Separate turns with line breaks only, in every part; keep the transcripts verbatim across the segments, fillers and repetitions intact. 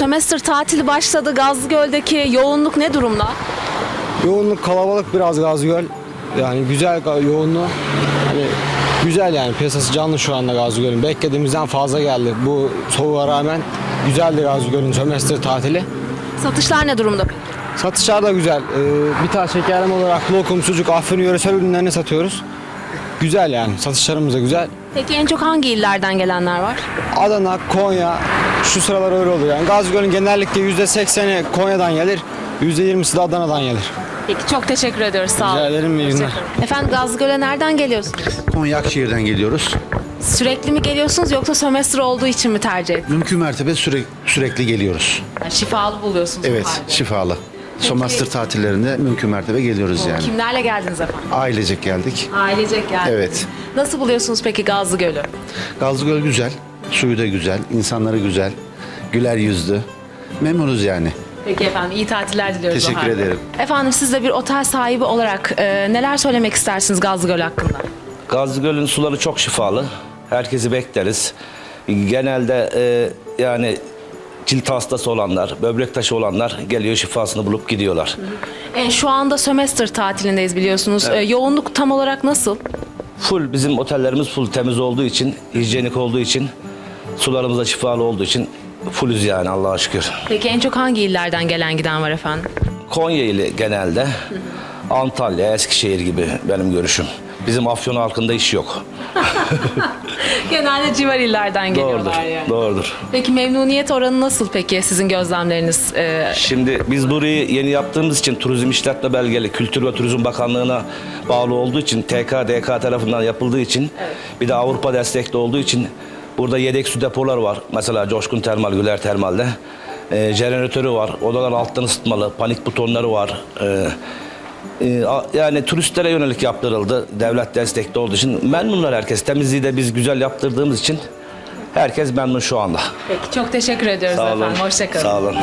sömestr tatili başladı. Gazlıgöl'deki yoğunluk ne durumda?
Yoğunluk kalabalık biraz Gazlıgöl. Yani güzel ga- yoğunluğu. Hani güzel yani piyasası canlı şu anda Gazlıgöl'ün. Beklediğimizden fazla geldi. Bu soğuğa rağmen güzeldi Gazlıgöl'ün sömestr tatili.
Satışlar ne durumda?
Satışlar da güzel. Ee, bir tane şekerleme olarak lokum, sucuk, Afyon yöresel ürünlerini satıyoruz. Güzel yani satışlarımız da güzel.
Peki en çok hangi illerden gelenler var?
Adana, Konya şu sıralar öyle oluyor. Yani Gazlıgöl'ün genellikle yüzde sekseni Konya'dan gelir, yüzde yirmisi de Adana'dan gelir.
Peki çok teşekkür ediyoruz. Sağ olun.
Rica ederim, iyi günler.
Efendim Gazlıgöl'e nereden geliyorsunuz?
Konya Akşehir'den geliyoruz.
Sürekli mi geliyorsunuz yoksa sömestr olduğu için mi tercih ettiniz?
Mümkün mertebe süre, sürekli geliyoruz.
Yani şifalı buluyorsunuz. bu
Evet,
halde.
şifalı. Sömestr tatillerinde mümkün mertebe geliyoruz yani.
Kimlerle geldiniz efendim?
Ailecek geldik.
Ailecek geldiniz.
Evet.
Nasıl buluyorsunuz peki Gazlıgöl'ü?
Gazlıgöl güzel, suyu da güzel, insanları güzel, güler yüzlü. Memnunuz yani.
Peki efendim iyi tatiller diliyoruz. o
Teşekkür
halde.
ederim.
Efendim siz de bir otel sahibi olarak e, neler söylemek istersiniz Gazlıgöl hakkında?
Gazlıgöl'ün suları çok şifalı. Herkesi bekleriz. Genelde e, yani cilt hastası olanlar, böbrek taşı olanlar geliyor şifasını bulup gidiyorlar.
E, şu anda sömestr tatilindeyiz biliyorsunuz. E, yoğunluk tam olarak nasıl?
Full bizim otellerimiz full temiz olduğu için, hijyenik olduğu için, sularımız da şifalı olduğu için fullüz yani Allah'a şükür.
Peki en çok hangi illerden gelen giden var efendim?
Konya ile genelde, Antalya, Eskişehir gibi benim görüşüm. Bizim Afyon halkında iş yok.
Genelde civar illerden geliyorlar
Doğrudur,
yani.
doğrudur.
Peki memnuniyet oranı nasıl peki sizin gözlemleriniz? E,
Şimdi biz burayı yeni yaptığımız için Turizm İşletme Belgeli Kültür ve Turizm Bakanlığı'na bağlı olduğu için T K D K tarafından yapıldığı için bir de Avrupa destekli olduğu için burada yedek su depolar var. Mesela Coşkun Termal, Güler Termal'de. E, jeneratörü var. Odalar alttan ısıtmalı. Panik butonları var. E, e, a- yani turistlere yönelik yaptırıldı. Devlet destekli olduğu için memnunlar herkes. Temizliği de biz güzel yaptırdığımız için herkes memnun şu anda.
peki çok teşekkür ediyoruz
Sağ olun.
efendim. Hoşçakalın.
Sağ olun.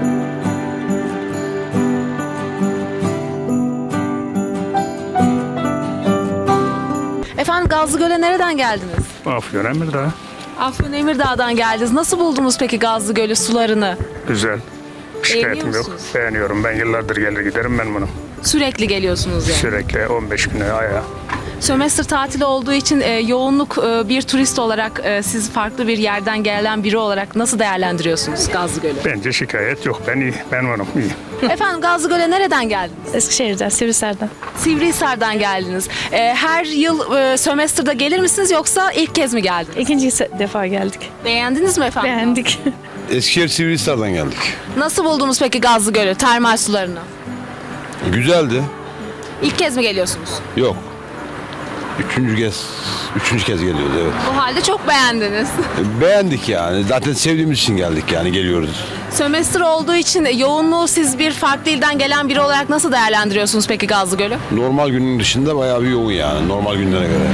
Efendim Gazlıgöl'e nereden geldiniz?
Afyon Emirdağ.
Afyon Emirdağ'dan geldiniz. Nasıl buldunuz peki Gazlıgöl'ü, sularını?
Güzel. Şikayetim
Beğeniyor
yok.
musunuz?
Beğeniyorum. Ben yıllardır gelir giderim ben bunu.
Sürekli geliyorsunuz yani.
Sürekli on beş güne aya.
Sömestr tatili olduğu için e, yoğunluk e, bir turist olarak e, siz farklı bir yerden gelen biri olarak nasıl değerlendiriyorsunuz Gazlıgöl'ü?
Bence şikayet yok. Ben iyi. Ben varım iyi.
Efendim Gazlıgöl'e nereden geldiniz?
Eskişehir'den, Sivrisar'dan.
Sivrihisar'dan geldiniz. E, her yıl e, sömestrda gelir misiniz yoksa ilk kez mi geldiniz?
İkinci se- defa geldik.
Beğendiniz mi efendim?
Beğendik.
Eskişehir Sivrihisar'dan geldik.
Nasıl buldunuz peki Gazlıgöl'ü, termal sularını?
Güzeldi.
İlk kez mi geliyorsunuz?
Yok. Üçüncü kez, üçüncü kez geliyoruz evet.
Bu halde çok beğendiniz.
Beğendik yani. Zaten sevdiğimiz için geldik yani geliyoruz.
Sömestr olduğu için yoğunluğu siz bir farklı ilden gelen biri olarak nasıl değerlendiriyorsunuz peki Gazlıgöl'ü?
Normal günün dışında bayağı bir yoğun yani normal günlere göre.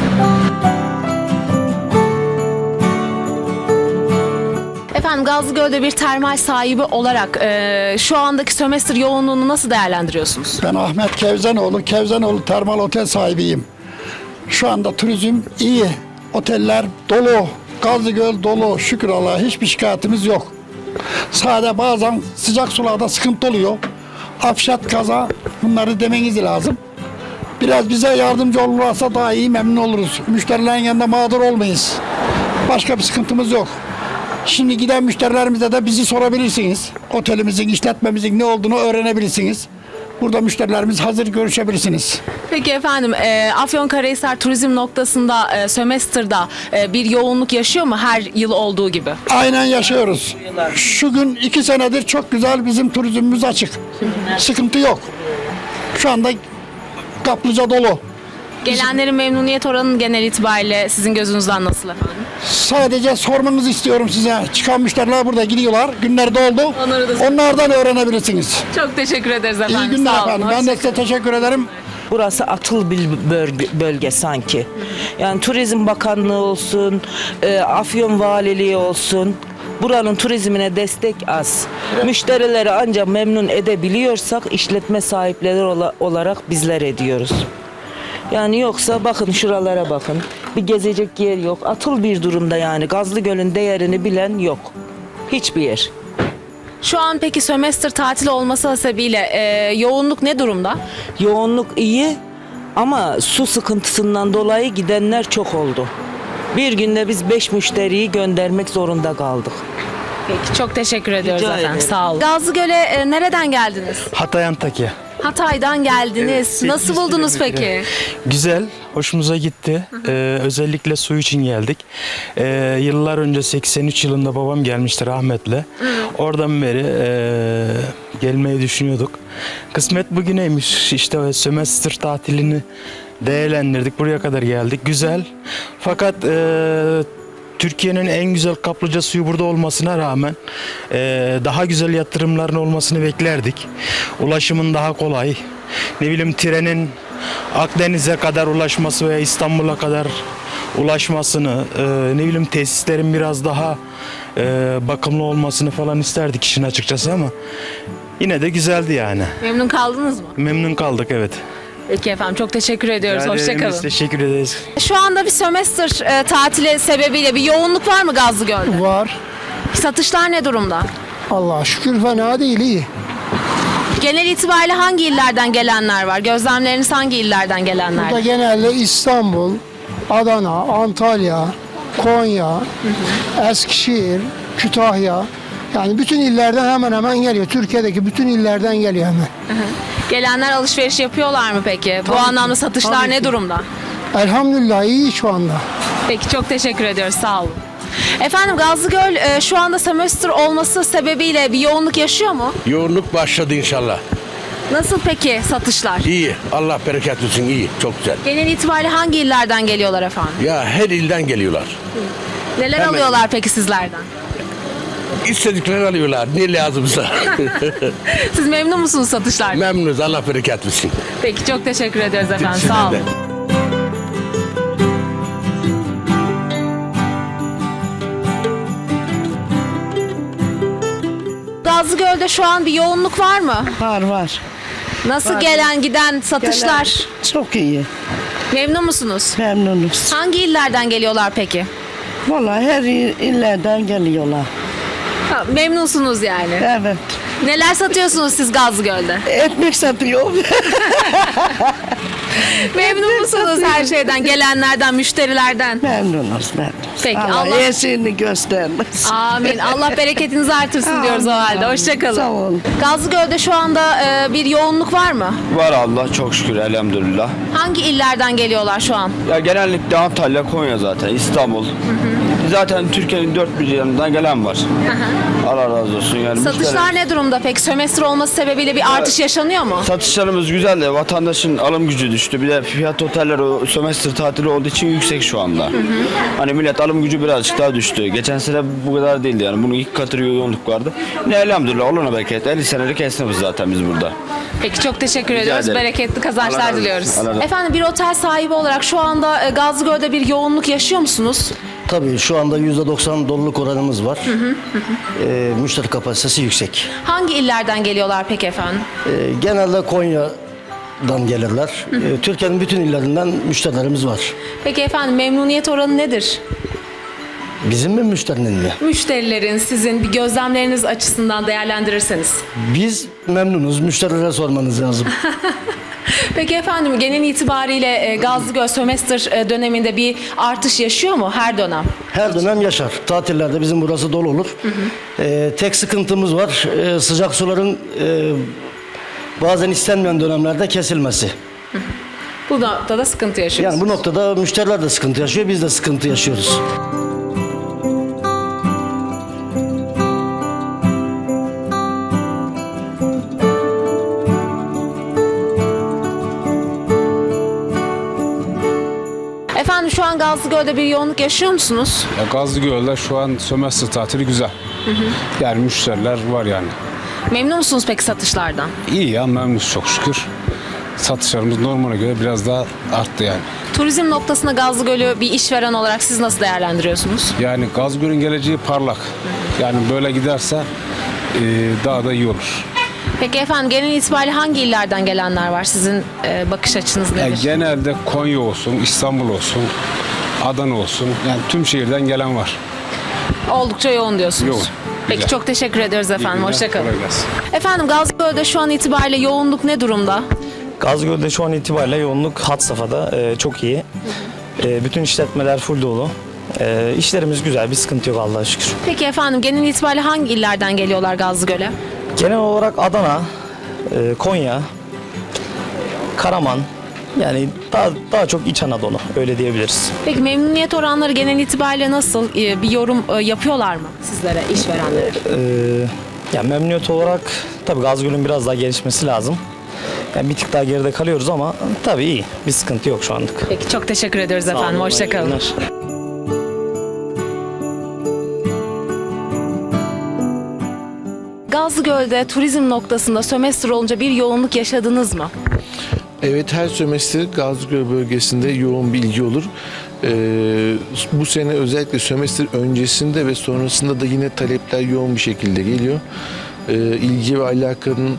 Efendim Gazlıgöl'de bir termal sahibi olarak e, şu andaki sömestr yoğunluğunu nasıl değerlendiriyorsunuz?
Ben Ahmet Kevzenoğlu, Kevzenoğlu Termal Otel sahibiyim. Şu anda turizm iyi, oteller dolu, Gazlıgöl dolu, şükür Allah'a hiçbir şikayetimiz yok. Sadece bazen sıcak sularda sıkıntı oluyor. Afşat, kaza, bunları demeniz lazım. Biraz bize yardımcı olursa daha iyi memnun oluruz. Müşterilerin yanında mağdur olmayız. Başka bir sıkıntımız yok. Şimdi giden müşterilerimize de bizi sorabilirsiniz. Otelimizin, işletmemizin ne olduğunu öğrenebilirsiniz. Burada müşterilerimiz hazır, görüşebilirsiniz.
Peki efendim e, Afyonkarahisar turizm noktasında e, sömestrda e, bir yoğunluk yaşıyor mu her yıl olduğu gibi?
Aynen yaşıyoruz. Şu gün iki senedir çok güzel bizim turizmimiz açık. Sıkıntı yok. Şu anda kaplıca dolu.
Gelenlerin memnuniyet oranı genel itibariyle sizin gözünüzden nasıl efendim?
Sadece sormanızı istiyorum size. Çıkan müşteriler burada gidiyorlar. Günler doldu.
Onları da-
Onlardan öğrenebilirsiniz.
Çok teşekkür ederiz efendim.
İyi günler
Sağ olun.
efendim. Ben de size teşekkür ederim.
Burası atıl bir bölge, bölge sanki. Yani Turizm Bakanlığı olsun, e, Afyon Valiliği olsun. Buranın turizmine destek az. Müşterileri ancak memnun edebiliyorsak işletme sahipleri ola- olarak bizler ediyoruz. Yani yoksa bakın şuralara bakın. Bir gezecek yer yok. Atıl bir durumda yani. Gazlıgöl'ün değerini bilen yok. Hiçbir yer.
Şu an peki sömestr tatili olması hasebiyle e, yoğunluk ne durumda?
Yoğunluk iyi ama su sıkıntısından dolayı gidenler çok oldu. Bir günde biz beş müşteriyi göndermek zorunda kaldık.
Peki çok teşekkür ediyoruz
Rica
efendim.
ederim.
Sağ olun. Gazlıgöl'e e, nereden geldiniz?
Hatay Antakya.
Hatay'dan geldiniz.
Evet,
Nasıl
sekiz
buldunuz
kilometre.
peki?
Güzel, hoşumuza gitti. Ee, özellikle su için geldik. Ee, yıllar önce seksen üç yılında babam gelmişti rahmetle. Oradan beri ee, gelmeyi düşünüyorduk. Kısmet bugüneymiş. İşte o sömestr tatilini değerlendirdik. Buraya kadar geldik. Güzel. Fakat ee, Türkiye'nin en güzel kaplıca suyu burada olmasına rağmen eee, daha güzel yatırımların olmasını beklerdik. Ulaşımın daha kolay. Ne bileyim trenin Akdeniz'e kadar ulaşması veya İstanbul'a kadar ulaşmasını, eee, ne bileyim tesislerin biraz daha eee, bakımlı olmasını falan isterdik işin açıkçası ama yine de güzeldi yani.
Memnun kaldınız mı?
Memnun kaldık, evet.
Peki efendim çok teşekkür ediyoruz.
Yani biz
Hoşçakalın.
teşekkür ederiz.
Şu anda bir sömestr e, tatili sebebiyle bir yoğunluk var mı Gazlıgöl'de?
Var.
Satışlar ne durumda?
Allah'a şükür fena değil, iyi.
Genel itibariyle hangi illerden gelenler var? Gözlemleriniz hangi illerden gelenler?
Burada genelde İstanbul, Adana, Antalya, Konya, Eskişehir, Kütahya. Yani bütün illerden hemen hemen geliyor. Türkiye'deki bütün illerden geliyor hemen.
Gelenler alışveriş yapıyorlar mı peki? Bu
Tabii
anlamda
ki,
satışlar
tabii
ne
ki.
durumda?
Elhamdülillah iyi şu anda.
Peki çok teşekkür ediyoruz. Sağ olun. Efendim Gazlıgöl e, şu anda sömestr olması sebebiyle bir yoğunluk yaşıyor mu?
Yoğunluk başladı inşallah.
Nasıl peki satışlar?
İyi. Allah bereket versin. İyi. Çok güzel.
Genel itibariyle hangi illerden geliyorlar efendim?
Ya her ilden geliyorlar.
Neler
Hemen.
alıyorlar peki sizlerden?
İstediklerini alıyorlar. Ne lazımsa.
Siz memnun musunuz satışlardan?
Memnunuz. Allah bereket versin.
Peki çok teşekkür ediyoruz efendim.
Sizden
Sağ olun.
de.
Gazlıgöl'de şu an bir yoğunluk var mı?
Var var.
Nasıl gelen giden satışlar?
Çok iyi.
Memnun musunuz?
Memnunuz.
Hangi illerden geliyorlar peki?
Vallahi her il- illerden geliyorlar.
Ha, memnunsunuz yani.
Evet.
Neler satıyorsunuz siz Gazlıgöl'de?
Ekmek satıyor.
Memnun musunuz her şeyden, gelenlerden, müşterilerden?
Memnunuz memnunuz.
Peki,
Allah,
Allah-
iyisini göstermesin.
Amin. Allah bereketinizi artırsın diyoruz o halde. Hoşçakalın.
Sağ olun.
Gazlıgöl'de şu anda e, bir yoğunluk var mı?
Var Allah çok şükür elhamdülillah.
Hangi illerden geliyorlar şu an?
Ya genellikle Antalya, Konya zaten, İstanbul. Zaten Türkiye'nin dört bir yanından gelen var. Allah razı olsun yani.
Satışlar ne durumda peki? Sömestr olması sebebiyle bir artış yaşanıyor mu?
Satışlarımız güzel de vatandaşın alım gücü düştü. Bir de fiyat oteller o sömestr tatili olduğu için yüksek şu anda. Hani millet alım gücü birazcık daha düştü. Geçen sene bu kadar değildi yani. Bunun ilk katı yoğunluk vardı. Ne elhamdülillah Allah'ına bereket. elli senelik esnafız zaten biz burada.
Peki çok teşekkür ediyoruz.
ederim.
Bereketli
Allah
kazançlar
razı olsun.
diliyoruz.
Allah razı olsun.
Efendim bir otel sahibi olarak şu anda e, Gazlıgöl'de bir yoğunluk yaşıyor musunuz?
Tabii şu anda yüzde doksan doluluk oranımız var. Ee, müşteri kapasitesi yüksek.
Hangi illerden geliyorlar peki efendim?
Ee, genelde Konya'dan gelirler. Ee, Türkiye'nin bütün illerinden müşterilerimiz var.
Peki efendim memnuniyet oranı nedir?
Bizim mi müşterinin mi?
Müşterilerin sizin bir gözlemleriniz açısından değerlendirirseniz.
Biz memnunuz. Müşterilere sormanız lazım.
Peki efendim genel itibariyle e, Gazlıgöl sömestr e, döneminde bir artış yaşıyor mu her dönem?
Her dönem yaşar. Tatillerde bizim burası dolu olur. Ee, tek sıkıntımız var. Ee, sıcak suların e, bazen istenmeyen dönemlerde kesilmesi.
Bu noktada sıkıntı yaşıyoruz.
Yani bu noktada müşteriler de sıkıntı yaşıyor. Biz de sıkıntı yaşıyoruz.
Efendim şu an Gazlıgöl'de bir yoğunluk yaşıyor musunuz?
Ya Gazlıgöl'de şu an sömestr tatili güzel. Yani müşteriler var yani.
Memnun musunuz peki satışlardan?
İyi ya memnunuz çok şükür. Satışlarımız normale göre biraz daha arttı yani.
Turizm noktasında Gazlıgöl'ü bir işveren olarak siz nasıl değerlendiriyorsunuz?
Yani Gazgöl'ün geleceği parlak. Yani böyle giderse e, daha da iyi olur.
Peki efendim genel itibariyle hangi illerden gelenler var? Sizin e, bakış açınız
Yani
nedir?
genelde Konya olsun, İstanbul olsun, Adana olsun. Yani tüm şehirden gelen var.
Oldukça yoğun diyorsunuz.
Yoğun.
Peki çok teşekkür ediyoruz efendim. Hoşçakalın.
Kolay gelsin.
Efendim Gazlıgöl'de şu an itibariyle yoğunluk ne durumda?
Gazgöl'de şu an itibariyle yoğunluk had safhada e, çok iyi. E, bütün işletmeler full dolu. E, işlerimiz güzel, bir sıkıntı yok Allah'a şükür.
Peki efendim genel itibariyle hangi illerden geliyorlar Gazlıgöl'e?
Genel olarak Adana, e, Konya, Karaman, yani daha daha çok İç Anadolu öyle diyebiliriz.
Peki memnuniyet oranları genel itibariyle nasıl? Ee, Bir yorum e, yapıyorlar mı sizlere, işverenlere?
E, yani memnuniyet olarak tabii Gazgöl'ün biraz daha gelişmesi lazım. Yani bir tık daha geride kalıyoruz ama tabii iyi. Bir sıkıntı yok şu anlık.
Peki çok teşekkür ediyoruz efendim. Hoşçakalın. Gazlıgöl'de turizm noktasında sömestr olunca bir yoğunluk yaşadınız mı?
Evet, her sömestr Gazlıgöl bölgesinde yoğun bir ilgi olur. Ee, bu sene özellikle sömestr öncesinde ve sonrasında da yine talepler yoğun bir şekilde geliyor. Ee, ilgi ve alakanın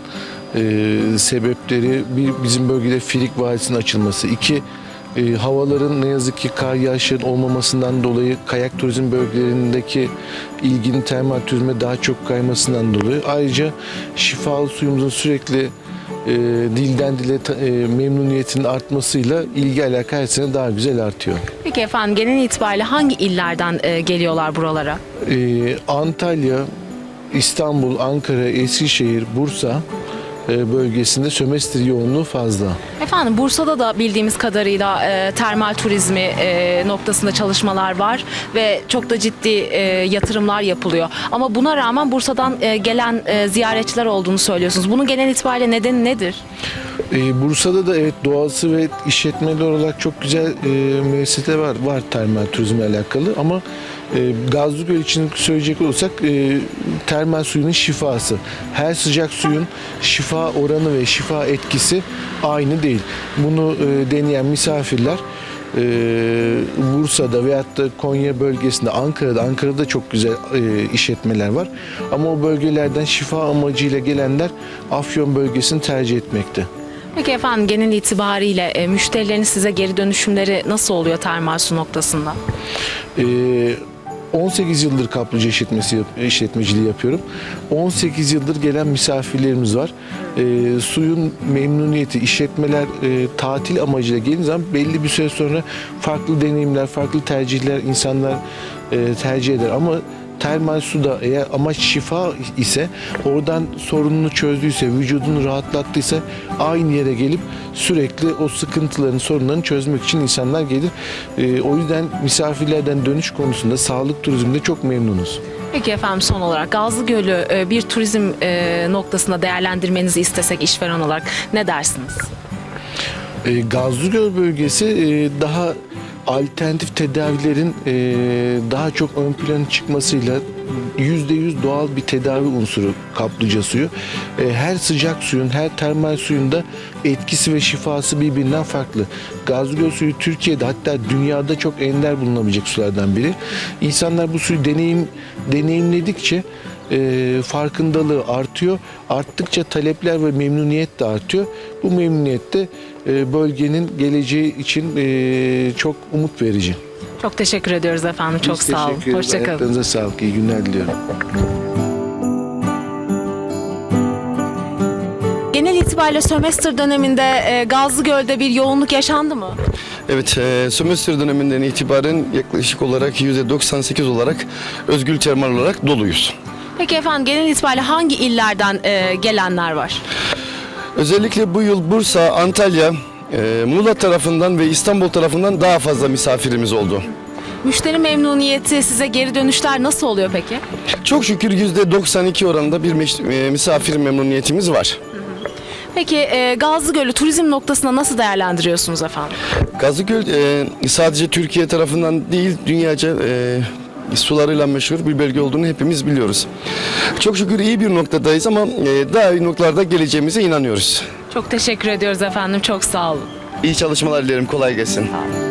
e, sebepleri bir, bizim bölgede Firik Vadisi'nin açılması. İki, e, havaların ne yazık ki kar yağışların olmamasından dolayı kayak turizm bölgelerindeki ilginin termal turizme daha çok kaymasından dolayı. Ayrıca şifalı suyumuzun sürekli e, dilden dile ta- e, memnuniyetinin artmasıyla ilgi alaka her sene daha güzel artıyor.
Peki efendim genel itibariyle hangi illerden e, geliyorlar buralara?
E, Antalya, İstanbul, Ankara, Eskişehir, Bursa e, bölgesinde sömestr yoğunluğu fazla.
Efendim Bursa'da da bildiğimiz kadarıyla e, termal turizmi e, noktasında çalışmalar var ve çok da ciddi e, yatırımlar yapılıyor. Ama buna rağmen Bursa'dan e, gelen e, ziyaretçiler olduğunu söylüyorsunuz. Bunun genel itibariyle nedeni nedir?
Ee, Bursa'da da evet doğası ve işletmeler olarak çok güzel e, müesseseler var, var termal turizmle alakalı ama e, Gazlıgöl için söyleyecek olursak e, termal suyunun şifası. Her sıcak suyun şifa oranı ve şifa etkisi aynı değil. Bunu e, deneyen misafirler e, Bursa'da veyahut da Konya bölgesinde, Ankara'da, Ankara'da çok güzel e, işletmeler var. Ama o bölgelerden şifa amacıyla gelenler Afyon bölgesini tercih etmekte.
Peki efendim genel itibariyle e, müşterilerin size geri dönüşümleri nasıl oluyor termal su noktasında?
Ee, on sekiz yıldır kaplıca işletmesi yap- işletmeciliği yapıyorum. on sekiz yıldır gelen misafirlerimiz var. Ee, suyun memnuniyeti, işletmeler e, tatil amacıyla geldiği zaman belli bir süre sonra farklı deneyimler, farklı tercihler insanlar e, tercih eder. Ama termal suda eğer amaç şifa ise, oradan sorununu çözdüyse, vücudunu rahatlattıysa aynı yere gelip sürekli o sıkıntıların, sorunlarını çözmek için insanlar gelir. Ee, o yüzden misafirlerden dönüş konusunda sağlık turizminde çok memnunuz.
Peki efendim son olarak Gazlıgöl'ü e, bir turizm e, noktasında değerlendirmenizi istesek işveren olarak ne dersiniz?
Ee, Gazlıgöl bölgesi e, daha alternatif tedavilerin e, daha çok ön plana çıkmasıyla yüzde yüz doğal bir tedavi unsuru kaplıca suyu. E, her sıcak suyun, her termal suyun da etkisi ve şifası birbirinden farklı. Gazlıgöl suyu Türkiye'de, hatta dünyada çok ender bulunabilecek sulardan biri. İnsanlar bu suyu deneyim deneyimledikçe e, farkındalığı artıyor. Arttıkça talepler ve memnuniyet de artıyor. Bu memnuniyet de e, bölgenin geleceği için e, çok umut verici.
Çok teşekkür ediyoruz efendim. Çok
Biz
sağ olun.
teşekkür ederiz.
Hoşçakalın.
Ayaklarınıza sağlık. İyi günler diliyorum.
Genel itibariyle sömestr döneminde e, Gazlıgöl'de bir yoğunluk yaşandı mı?
Evet, e, sömestr döneminden itibaren yaklaşık olarak yüzde doksan sekiz olarak özgül termal olarak doluyuz.
Peki efendim genel itibariyle hangi illerden e, gelenler var?
Özellikle bu yıl Bursa, Antalya, e, Muğla tarafından ve İstanbul tarafından daha fazla misafirimiz oldu.
Müşteri memnuniyeti, size geri dönüşler nasıl oluyor peki?
Çok şükür yüzde doksan iki oranında bir meş- e, misafir memnuniyetimiz var.
Peki e, Gazlıgöl'ü turizm noktasında nasıl değerlendiriyorsunuz efendim?
Gazlıgöl e, sadece Türkiye tarafından değil, dünyaca e, sularıyla meşhur bir bölge olduğunu hepimiz biliyoruz. Çok şükür iyi bir noktadayız ama e, daha iyi noktalarda geleceğimize inanıyoruz.
Çok teşekkür ediyoruz efendim. Çok sağ olun.
İyi çalışmalar dilerim, kolay gelsin.
Sağ olun.